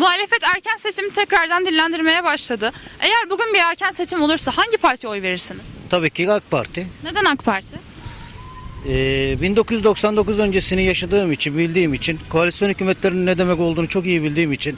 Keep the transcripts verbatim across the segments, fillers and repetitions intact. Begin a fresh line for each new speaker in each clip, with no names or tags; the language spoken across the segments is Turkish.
Muhalefet erken seçimi tekrardan dillendirmeye başladı. Eğer bugün bir erken seçim olursa hangi partiye oy verirsiniz?
Tabii ki AK Parti.
Neden AK Parti?
Ee, bin dokuz yüz doksan dokuz öncesini yaşadığım için, bildiğim için, koalisyon hükümetlerinin ne demek olduğunu çok iyi bildiğim için,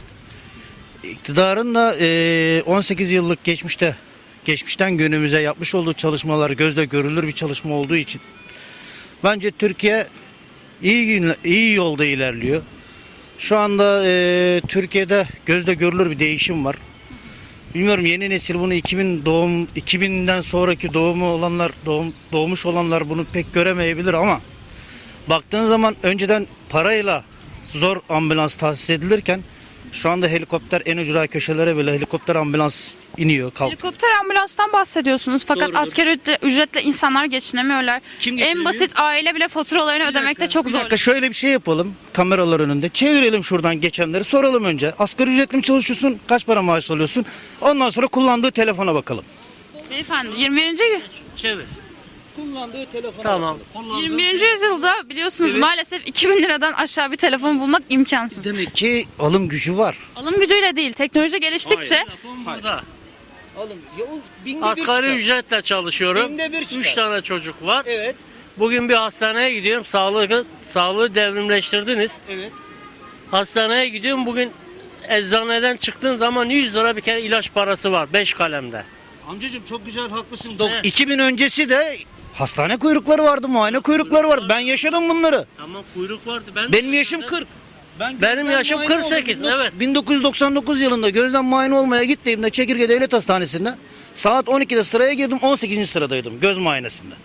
iktidarın da e, on sekiz yıllık geçmişte, geçmişten günümüze yapmış olduğu çalışmalar gözle görülür bir çalışma olduğu için, bence Türkiye iyi gün- iyi yolda ilerliyor. Şu anda e, Türkiye'de gözle görülür bir değişim var. Bilmiyorum, yeni nesil bunu iki bin doğum iki binden sonraki doğumu olanlar doğum, doğmuş olanlar bunu pek göremeyebilir ama baktığın zaman önceden parayla zor ambulans tahsis edilirken şu anda helikopter en ücra köşelere bile helikopter ambulans iniyor, kalk.
Helikopter ambulanstan bahsediyorsunuz fakat
Doğrudur.
asgari ücretle, ücretle insanlar geçinemiyorlar.
Kim
En
geçinemiyor?
basit aile bile faturalarını ödemekte çok
Bir
zor.
dakika, şöyle bir şey yapalım kameralar önünde. Çevirelim şuradan geçenleri, soralım önce. Asgari ücretli mi çalışıyorsun? Kaç para maaş alıyorsun? Ondan sonra kullandığı telefona bakalım.
Beyefendi yirmi birinci yü-
Çevir.
Kullandığı telefona
Tamam.
yirmi birinci yüzyılda biliyorsunuz
Evet.
maalesef iki bin liradan aşağı bir telefon bulmak imkansız.
Demek ki alım gücü var.
Alım gücüyle değil, teknoloji geliştikçe
Telefon burada.
Alım ya o binde
Asgari ücretle çalışıyorum.
Binde bir çıkar.
Üç tane çocuk var.
Evet.
Bugün bir hastaneye gidiyorum. Sağlığı, sağlığı devrimleştirdiniz.
Evet.
Hastaneye gidiyorum. Bugün eczaneden çıktığın zaman yüz lira bir kere ilaç parası var. Beş kalemde.
Amcacığım çok güzel, haklısın.
Evet.
iki bin öncesi de hastane kuyrukları vardı, muayene kuyrukları vardı. Ben yaşadım bunları.
Tamam, kuyruk vardı. Ben de
Benim yaşım
yaşadım.
kırk. Ben
Benim
gözden
yaşım
muayene
kırk sekiz,
oldum.
evet.
bin dokuz yüz doksan dokuz yılında gözden muayene olmaya gittiğimde Çekirge Devlet Hastanesi'nde saat on ikide sıraya girdim, on sekizinci sıradaydım göz muayenesinde.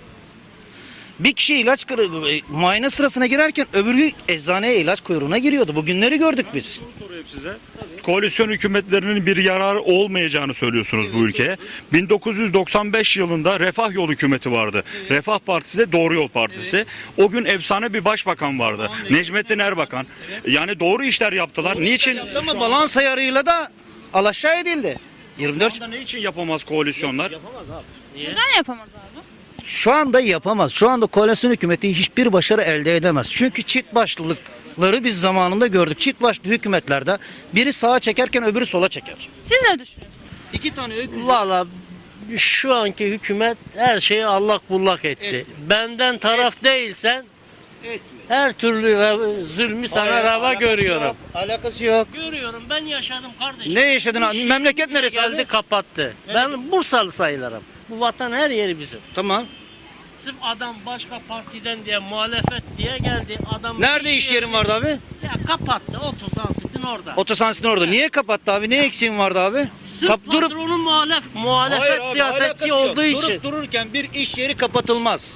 Bir kişi ilaç kırı- muayene sırasına girerken öbürü eczaneye ilaç kuyruğuna giriyordu. Bugünleri gördük biz.
Sorayım size. Koalisyon hükümetlerinin bir yararı olmayacağını söylüyorsunuz bu ülkeye. bin dokuz yüz doksan beş yılında Refah Yol hükümeti vardı. Refah Partisi de Doğru Yol Partisi. O gün efsane bir başbakan vardı. Necmettin Erbakan. Yani doğru işler yaptılar. Niçin?
Ama balans ayarıyla da alaşağı edildi. yirmi dört
Şu anda ne için yapamaz koalisyonlar?
neden yapamaz abi?
Şu anda yapamaz. Şu anda koalisyon hükümeti hiçbir başarı elde edemez. Çünkü çift başlılıkları biz zamanında gördük. Çift başlı hükümetlerde biri sağa çekerken öbürü sola çeker.
Siz ne düşünüyorsunuz?
İki tane öküz.
Valla şu anki hükümet her şeyi allak bullak etti.
Evet.
Benden taraf değilsen
Etmiyor.
her türlü re- zulmü sana
Hayır,
rava
alakası
görüyorum.
yok, Alakası yok.
Görüyorum, ben yaşadım kardeşim.
Ne yaşadın abi?
İş
Memleket
yerimi
neresi
geldi
abi?
kapattı. Ben Bursalı sayılırım. Bu vatan her yeri bizim.
Tamam.
Sırf adam başka partiden diye muhalefet diye geldi. Adam
Nerede iş yerin vardı abi?
Ya kapattı. Otosansitin orada.
Otosansin orada. Niye kapattı abi? Ne eksiğin vardı abi?
Sırf
Kap- durup
patronun muhalef, muhalefet siyasetçi olduğu için.
Durup dururken bir iş yeri kapatılmaz.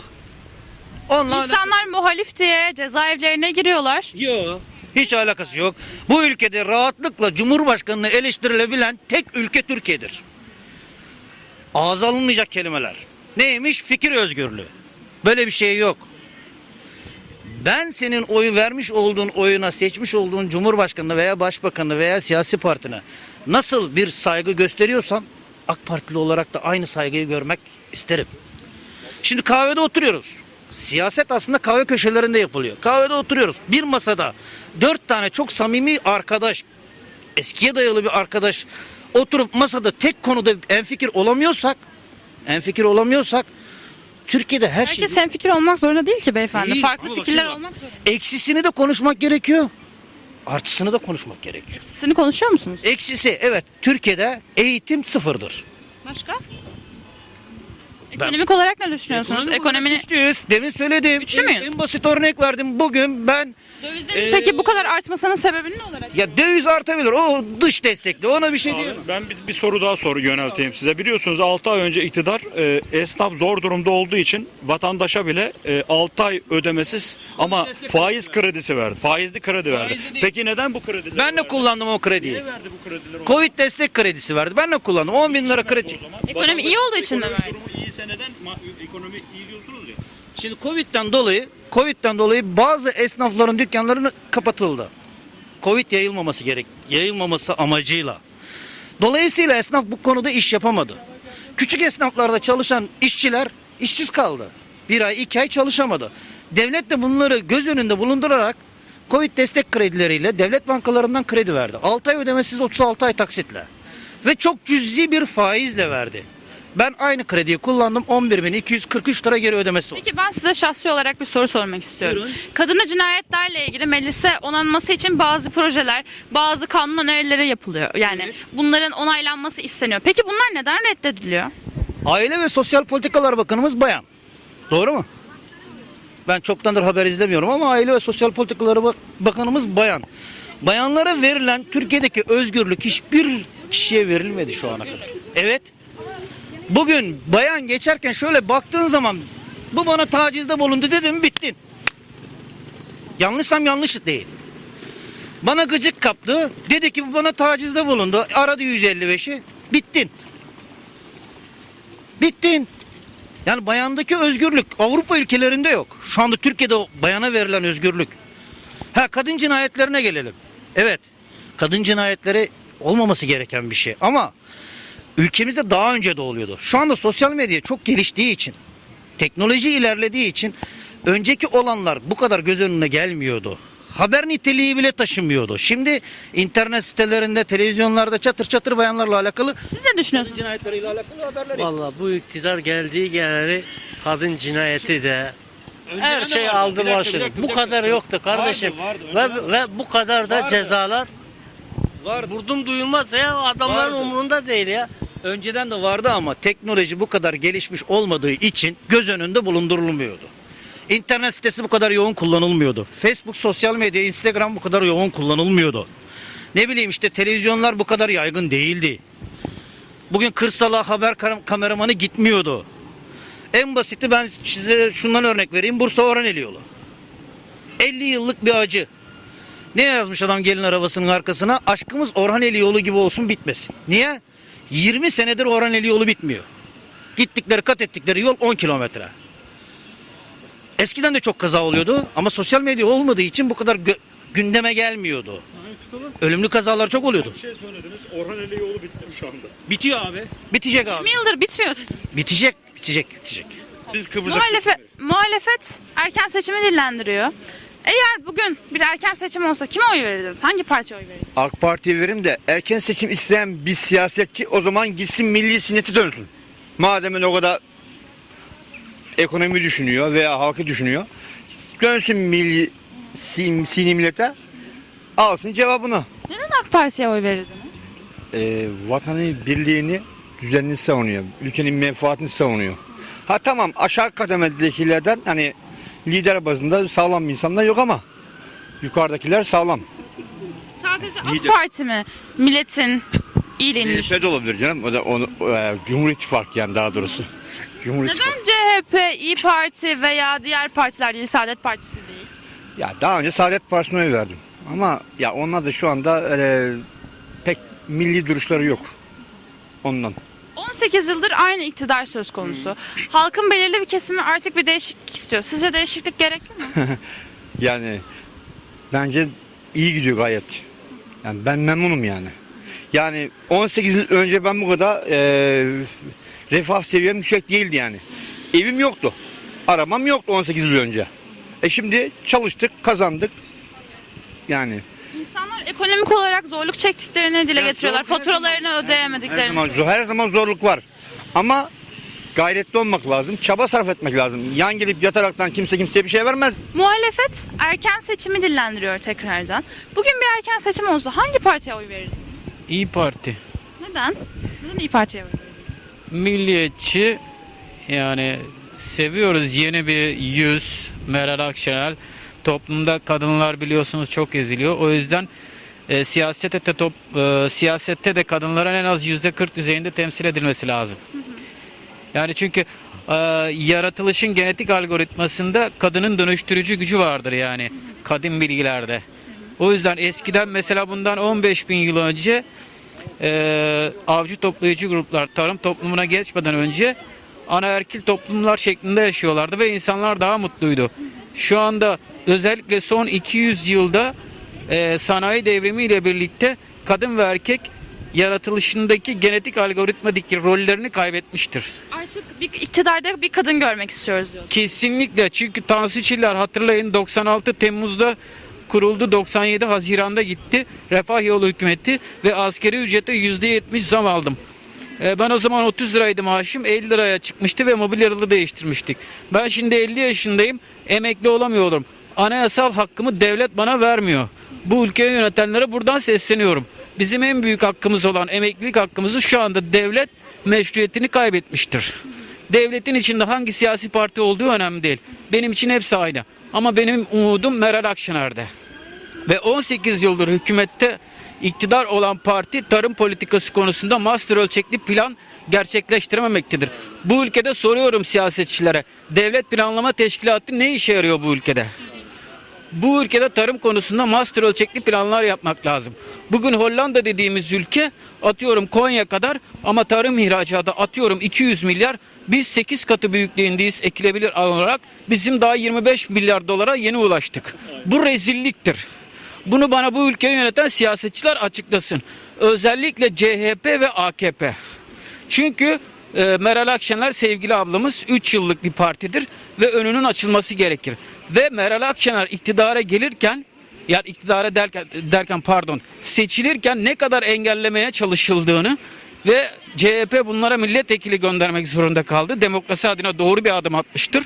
Onunla
İnsanlar muhalif diye cezaevlerine giriyorlar.
Yok. Hiç alakası yok. Bu ülkede rahatlıkla Cumhurbaşkanı'nı eleştirilebilen tek ülke Türkiye'dir. Ağza alınmayacak kelimeler. Neymiş? Fikir özgürlüğü. Böyle bir şey yok. Ben senin oyu vermiş olduğun oyuna, seçmiş olduğun Cumhurbaşkanı veya Başbakanı veya siyasi partine nasıl bir saygı gösteriyorsam AK Partili olarak da aynı saygıyı görmek isterim. Şimdi kahvede oturuyoruz. Siyaset aslında kahve köşelerinde yapılıyor. Kahvede oturuyoruz. Bir masada dört tane çok samimi arkadaş, eskiye dayalı bir arkadaş oturup masada tek konuda enfikir olamıyorsak, enfikir olamıyorsak Türkiye'de her şey
Herkes hemfikir olmak zorunda değil ki beyefendi.
Değil.
Farklı
Ama bak
fikirler
şimdi bak.
olmak zorunda.
eksisini de konuşmak gerekiyor. Artısını da konuşmak gerekiyor.
Sizini konuşuyor musunuz?
Eksisi, evet, Türkiye'de eğitim sıfırdır.
Başka? Ekonomik olarak ne düşünüyorsunuz? Ekonominin
Güçlüyüz. Demin söyledim.
Güçlü
En-
müyüz?
En basit örnek verdim. Bugün ben
dövizlerin peki bu kadar artmasının sebebi ne olarak?
ya döviz artabilir. O dış destekli. Ona bir şey diyemem.
Ben bir, bir soru daha soru yönelteyim size. Biliyorsunuz altı ay önce iktidar e, esnaf zor durumda olduğu için vatandaşa bile e, altı ay ödemesiz ama
destek
faiz kredisi verdi. Faizli kredi verdi.
Faizli değil.
Peki neden bu kredileri
Ben de
verdi?
kullandım o krediyi.
Niye verdi bu kredileri? ona?
Covid destek kredisi verdi. Ben de kullandım. on bin lira kredi.
O zaman
Ekonomi iyi olduğu için mi
ekonomi
verdi?
durumu iyiyse neden ma- ekonomi iyi diyorsunuz ya?
Şimdi Covid'den dolayı Covid'den dolayı bazı esnafların dükkanlarını kapatıldı. Covid yayılmaması gerek, yayılmaması amacıyla. Dolayısıyla esnaf bu konuda iş yapamadı. Küçük esnaflarda çalışan işçiler işsiz kaldı. Bir ay, iki ay çalışamadı. Devlet de bunları göz önünde bulundurarak Covid destek kredileriyle devlet bankalarından kredi verdi. altı ay ödemesiz, otuz altı ay taksitle. Ve çok cüzi bir faizle verdi. Ben aynı krediyi kullandım, on bir bin iki yüz kırk üç lira geri ödemesi oldu.
Peki ben size şahsi olarak bir soru sormak istiyorum.
Buyurun.
Kadına cinayetlerle ilgili meclise onanması için bazı projeler, bazı kanun önerileri yapılıyor. Yani bunların onaylanması isteniyor. Peki bunlar neden reddediliyor?
Aile ve Sosyal Politikalar Bakanımız bayan. Doğru mu? Ben çoktandır haber izlemiyorum ama Aile ve Sosyal Politikalar Bak- Bakanımız bayan. Bayanlara verilen Türkiye'deki özgürlük hiçbir kişiye verilmedi şu ana kadar. Evet. Bugün bayan geçerken şöyle baktığın zaman bu bana tacizde bulundu dedim, bittin. Yanlışsam yanlış değil. Bana gıcık kaptı. Dedi ki bu bana tacizde bulundu. Aradı yüz elli beşi. Bittin. Bittin. Yani bayandaki özgürlük Avrupa ülkelerinde yok. Şu anda Türkiye'de o bayana verilen özgürlük. Ha, kadın cinayetlerine gelelim. Evet. Kadın cinayetleri olmaması gereken bir şey ama ülkemizde daha önce de oluyordu. Şu anda sosyal medya çok geliştiği için, teknoloji ilerlediği için önceki olanlar bu kadar göz önüne gelmiyordu. Haber niteliği bile taşımıyordu. Şimdi internet sitelerinde, televizyonlarda çatır çatır bayanlarla alakalı,
Siz ne düşünüyorsunuz?
cinayetleriyle alakalı haberler.
Vallahi bu iktidar geldiği geleli kadın cinayeti de
Önceden
her
de
şey
vardı.
aldı
Bir dakika,
başladı.
bir dakika,
Bu
bir
kadar
dakika.
yoktu kardeşim.
Vardı, vardı.
Ve, ve bu kadar da
Vardı.
cezalar
Vardı.
vurdum duyulmaz ya, adamların
Vardı.
umurunda değil ya.
Önceden de vardı ama teknoloji bu kadar gelişmiş olmadığı için göz önünde bulundurulmuyordu. İnternet sitesi bu kadar yoğun kullanılmıyordu. Facebook, sosyal medya, Instagram bu kadar yoğun kullanılmıyordu. Ne bileyim işte televizyonlar bu kadar yaygın değildi. Bugün kırsala haber kar- kameramanı gitmiyordu. En basiti ben size şundan örnek vereyim. Bursa Orhaneli yolu. elli yıllık bir acı. Ne yazmış adam gelin arabasının arkasına? Aşkımız Orhaneli yolu gibi olsun, bitmesin. Niye? yirmi senedir Orhaneli yolu bitmiyor. Gittikleri kat ettikleri yol on kilometre. Eskiden de çok kaza oluyordu ama sosyal medya olmadığı için bu kadar gö- gündeme gelmiyordu. Ölümlü kazalar çok oluyordu.
Bir şey söylediniz. Orhaneli yolu bitti mi şu anda?
Bitiyor abi. Bitecek abi.
yirmi yıldır bitmiyor.
Bitecek, bitecek, bitecek.
Biz Kıbrıs'a
Muhalefet, muhalefet erken seçimi dillendiriyor. Eğer bugün bir erken seçim olsa kime oy verirdiniz? Hangi partiye oy verirdiniz?
AK Parti'ye verim de erken seçim isteyen bir siyasetçi o zaman gitsin milli sinneti dönsün. Madem öyle o kadar ekonomi düşünüyor veya halkı düşünüyor. Dönsün milli sin, sini millete, alsın cevabını.
Neden AK Parti'ye oy verirdiniz?
Ee, vatanın birliğini, düzenini savunuyor. Ülkenin menfaatini savunuyor. Ha tamam, aşağı kademedekilerden hani lider bazında sağlam bir insanlar yok ama yukarıdakiler sağlam.
Sadece AK
Lider.
Parti mi milletin iyiliğini
C H
düşünüyor?
P de olabilir canım. O da onu e, Cumhur İttifakı yani daha doğrusu. Cumhur İttifakı.
Neden C H P, İyi Parti veya diğer partiler değil, Saadet Partisi değil?
Ya daha önce Saadet Partisi'ne oy verdim. Ama ya onlar da şu anda öyle pek milli duruşları yok. Ondan.
on sekiz yıldır aynı iktidar söz konusu. Halkın belirli bir kesimi artık bir değişiklik istiyor. Sizce değişiklik gerekli mi?
Yani bence iyi gidiyor gayet. Yani ben memnunum yani. Yani on sekiz yıl önce ben bu kadar e, refah seviyem yüksek değildi yani. Evim yoktu. Arabam yoktu on sekiz yıl önce. E şimdi çalıştık, kazandık. Yani
İnsanlar ekonomik olarak zorluk çektiklerini dile
Ya
getiriyorlar.
zor her
Faturalarını
her
ödeyemediklerini.
zaman, zor- her zaman zorluk var. Ama gayretli olmak lazım. Çaba sarf etmek lazım. Yan gelip yataraktan kimse kimseye bir şey vermez.
Muhalefet erken seçimi dillendiriyor tekrardan. Bugün bir erken seçim olsa hangi partiye oy verirdiniz?
İyi Parti.
Neden? Neden İyi Parti'ye oy verirdiniz?
Milliyetçi, yani seviyoruz yeni bir yüz, Meral Akşener. Toplumda kadınlar biliyorsunuz çok eziliyor. O yüzden e, siyasette de top, e, siyasette de kadınların en az yüzde kırk düzeyinde temsil edilmesi lazım. Yani çünkü e, yaratılışın genetik algoritmasında kadının dönüştürücü gücü vardır yani kadim bilgilerde. O yüzden eskiden mesela bundan on beş bin yıl önce e, avcı toplayıcı gruplar tarım toplumuna geçmeden önce anaerkil toplumlar şeklinde yaşıyorlardı ve insanlar daha mutluydu. Şu anda özellikle son iki yüz yılda e, sanayi devrimiyle birlikte kadın ve erkek yaratılışındaki genetik algoritmadaki rollerini kaybetmiştir.
Artık bir iktidarda bir kadın görmek istiyoruz diyor.
Kesinlikle, çünkü Tansu Çiller hatırlayın doksan altı Temmuz'da kuruldu. doksan yedi Haziran'da gitti. Refah Yolu hükümeti ve asgari ücrete yüzde yetmiş zam aldım. E, Ben o zaman otuz liraydı maaşım, elli liraya çıkmıştı ve mobilyalı değiştirmiştik. Ben şimdi elli yaşındayım, emekli olamıyorum. Anayasal hakkımı devlet bana vermiyor. Bu ülkeyi yönetenlere buradan sesleniyorum. Bizim en büyük hakkımız olan emeklilik hakkımızı şu anda devlet meşruiyetini kaybetmiştir. Devletin içinde hangi siyasi parti olduğu önemli değil. Benim için hepsi aynı. Ama benim umudum Meral Akşener'de. Ve on sekiz yıldır hükümette iktidar olan parti tarım politikası konusunda master ölçekli plan gerçekleştirememektedir. Bu ülkede soruyorum siyasetçilere, devlet planlama teşkilatı ne işe yarıyor bu ülkede? Bu ülkede tarım konusunda master ölçekli planlar yapmak lazım. Bugün Hollanda dediğimiz ülke atıyorum Konya kadar ama tarım ihracatı atıyorum iki yüz milyar. Biz sekiz katı büyüklüğündeyiz ekilebilir olarak. Bizim daha yirmi beş milyar dolara yeni ulaştık. Bu rezilliktir. Bunu bana bu ülkeyi yöneten siyasetçiler açıklasın. Özellikle C H P ve A K P. Çünkü e, Meral Akşener sevgili ablamız üç yıllık bir partidir ve önünün açılması gerekir. Ve Meral Akşener iktidara gelirken, yani iktidara derken, derken pardon, seçilirken ne kadar engellemeye çalışıldığını ve C H P bunlara milletvekili göndermek zorunda kaldı. Demokrasi adına doğru bir adım atmıştır.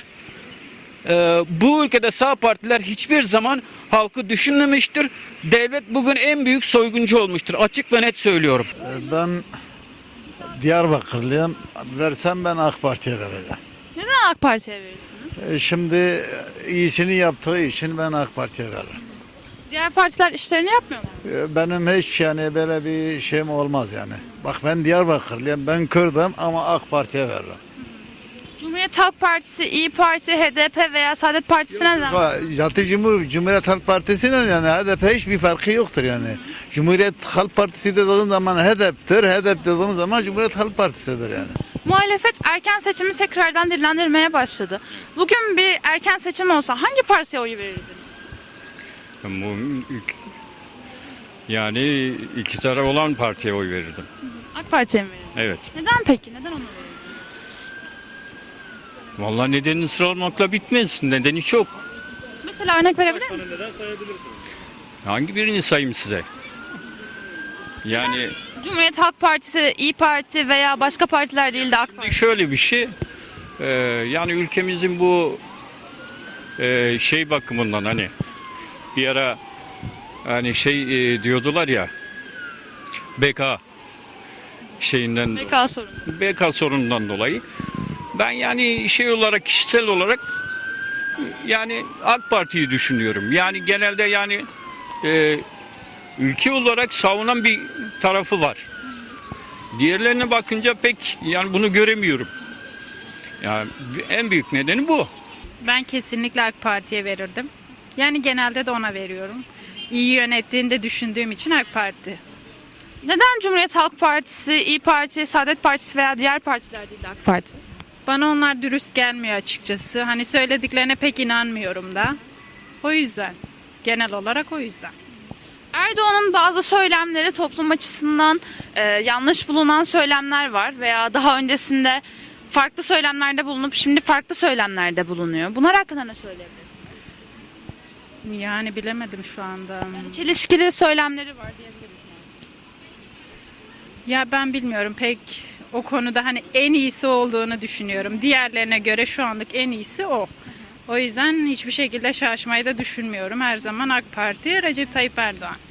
Ee, bu ülkede sağ partiler hiçbir zaman halkı düşünmemiştir. Devlet bugün en büyük soyguncu olmuştur. Açık ve net söylüyorum.
Ben Diyarbakırlıyım. Versem ben AK Parti'ye vereceğim.
Neden AK Parti'ye verirsiniz?
E, Şimdi iyisini yaptığı için ben AK Parti'ye veririm.
Diğer partiler işlerini yapmıyor mu?
E, Benim hiç yani böyle bir şeyim olmaz yani. Bak ben Diyarbakırlıyım, ben Kürdüm ama AK Parti'ye veririm.
Cumhuriyet Halk Partisi, İyi Parti, H D P veya Saadet Partisi neden?
Zaten Cumhur, Cumhuriyet Halk Partisi'nin yani H D P hiçbir farkı yoktur yani. Cumhuriyet Halk Partisi dediğin zaman H D P'tir, H D P dediğin zaman Cumhuriyet Halk Partisi'dir yani.
Muhalefet erken seçimi tekrardan dillendirmeye başladı. Bugün bir erken seçim olsa hangi partiye oy verirdiniz?
Bu yani iktidara olan partiye oy verirdim.
AK Parti'ye mi verirdiniz?
Evet.
Neden peki? Neden onu verirdiniz?
Vallahi nedenini sıralamakla bitmez. Nedeni çok.
Mesela örnek verebilir misiniz?
Hangi birini sayayım size? Yani
Cumhuriyet Halk Partisi, İyi Parti veya başka partiler değil de AK Parti.
şöyle bir şey. e, yani ülkemizin bu e, şey bakımından hani bir ara hani şey e, diyordular ya B K şeyinden
B K sorunu.
B K sorunundan dolayı ben yani şey olarak kişisel olarak yani AK Parti'yi düşünüyorum. Yani genelde yani e, ülke olarak savunan bir tarafı var. Diğerlerine bakınca pek yani bunu göremiyorum. Yani en büyük nedeni bu.
Ben kesinlikle AK Parti'ye verirdim. Yani genelde de ona veriyorum. İyi yönettiğini de düşündüğüm için AK Parti.
Neden Cumhuriyet Halk Partisi, İyi Parti, Saadet Partisi veya diğer partiler değil de AK Parti?
Bana onlar dürüst gelmiyor açıkçası. Hani söylediklerine pek inanmıyorum da. O yüzden. Genel olarak o yüzden.
Erdoğan'ın bazı söylemleri toplum açısından e, yanlış bulunan söylemler var veya daha öncesinde farklı söylemlerde bulunup şimdi farklı söylemlerde bulunuyor. Bunlar hakkında ne söyleyebilirsiniz?
Yani bilemedim şu anda.
Çelişkili söylemleri var diyebiliriz.
Ya ben bilmiyorum pek o konuda hani en iyisi olduğunu düşünüyorum. Diğerlerine göre şu anlık en iyisi o. O yüzden hiçbir şekilde şaşmayı da düşünmüyorum. Her zaman AK Parti, Recep Tayyip Erdoğan.